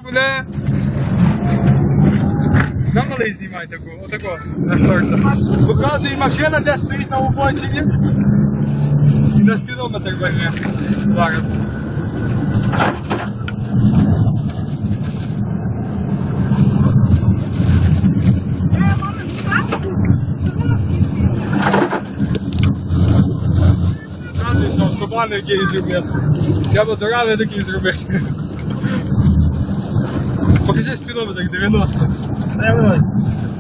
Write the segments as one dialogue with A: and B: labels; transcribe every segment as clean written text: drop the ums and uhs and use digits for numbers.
A: бля. На малий знімай таку, отако, нашторся. Показує машина, де стоїть на обочині. І на спідометр возьме. Зараз. Показує, що автобани, які він зробив. Треба дорави такі зробити. Покажи спідометр 90.
B: Не вилазь.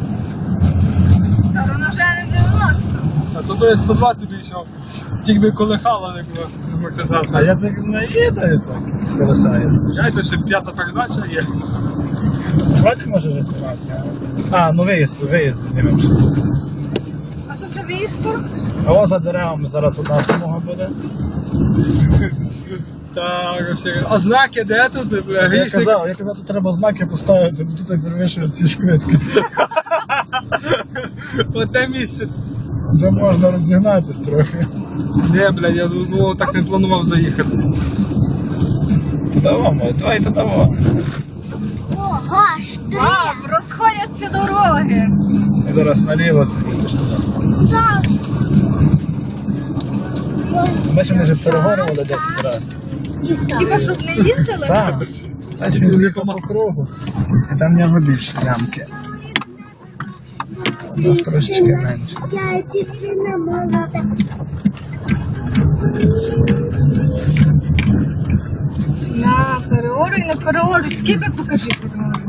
C: Та воно вже не 90.
A: А то є 120 більшов. Тільки би колихала не було амортизатор.
B: А я так не їду, це колесає.
A: Знаєте, ще п'ята передача є.
B: Хватить може рятувати. А, ну виїзд знімемо.
C: А тут вже військо.
B: А ось за деревами зараз одна смуга буде.
A: Так, все. А знаки де тут? Бля,
B: Я
A: грішник.
B: казав, тут треба знаки поставити, бо тут так перевищує ці швидкість.
A: Одне місце.
B: Де можна розігнатись трохи.
A: Ні, бля, я знову так не планував заїхати.
B: Туди вам, давай туди вам.
C: Ого, мам, розходяться дороги.
B: І зараз наліво з'їдеш туди.
C: Так.
B: Бачимо, вони вже перегорювали 10 разів.
C: Хіба щоб не їздили?
B: Так. Бачиш, він їхав по кругу. І там в нього більше ямки. У нас трошечки менше.
C: Я дівчина молода. На переоруй, на переоруй. Скільки покажи переоруй.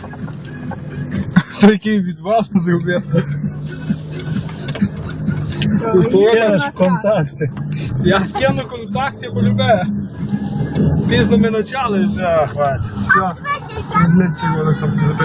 A: Такий відвал зробив.
B: Скинеш контакти.
A: Я скину контакти, полюбе. Пізно ми почали.
B: Все, хватить.
A: Все. Блядь, чого воно там